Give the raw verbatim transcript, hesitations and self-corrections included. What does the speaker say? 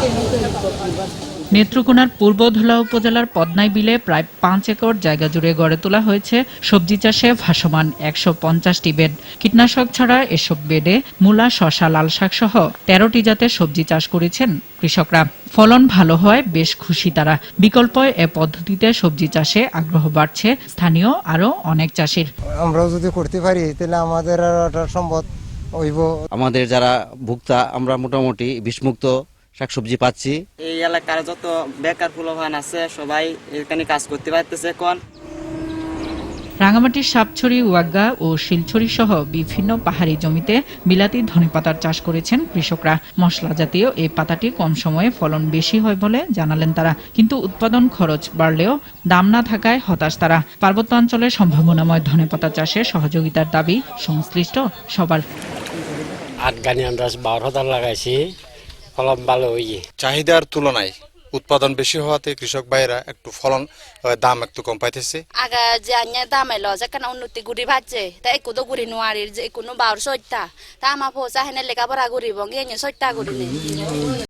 নেত্রকোনার পূর্ব ধুলা উপজেলার পদ্মাই বিলে প্রায় পাঁচ একর জায়গা জুড়ে গড়ে তোলা হয়েছে সবজি চাষে ভাসমান একশো পঞ্চাশটি বেড। কীটনাশক ছাড়া এসব বেডে মূলা, শসা, লাল শাক সহ তেরোটি জাতের সবজি চাষ করেছেন কৃষকরা। ফলন ভালো হয় বেশ খুশি তারা। বিকল্প এ পদ্ধতিতে সবজি চাষে আগ্রহ বাড়ছে স্থানীয় আরো অনেক চাষির। আমরাও যদি করতে পারি তাহলে আমাদের আর ওটা সম্ভব হইব। আমাদের যারা ভোক্তা আমরা মোটামুটি বিষমুক্ত শাকসবজি পাচ্ছি। এই এলাকার যত বেকার পোলাপান আছে সবাই এখানে কাজ করতে পারতেছে এখন। রাঙামাটির সাপছড়ি, ওয়াগ্গা ও শিলছড়ি সহ বিভিন্ন পাহাড়ি জমিতে বিলাতি ধনেপাতার চাষ করেছেন কৃষকরা। মশলা জাতীয় এই পাতাটি কম সময়ে ফলন বেশি হয় বলে জানালেন তারা। কিন্তু উৎপাদন খরচ বাড়লেও দাম না থাকায় হতাশ তারা। পার্বত্য অঞ্চলে সম্ভাবনাময় ধনেপাতা চাষে সহযোগিতার দাবি সংশ্লিষ্ট সবার। আট গানি আমরা বারো হাজার লাগাইছি, ফলন ভালো হইয়ে। চাহিদার তুলনায় উৎপাদন বেশি হওয়াতে কৃষক ভাইরা একটু ফলন দাম একটু কম পাইতেছে। আগা যে আন্য দাম এলো যেখানে উন্নতি গুড়ি ভাজছে তা একটু গুড়ি নোয়ারির যে কোনো বাউর সইটা তা আমার পোষা হেনে লেখাপড়া গুড়িব গিয়ে সইটা গুড়ি নেই।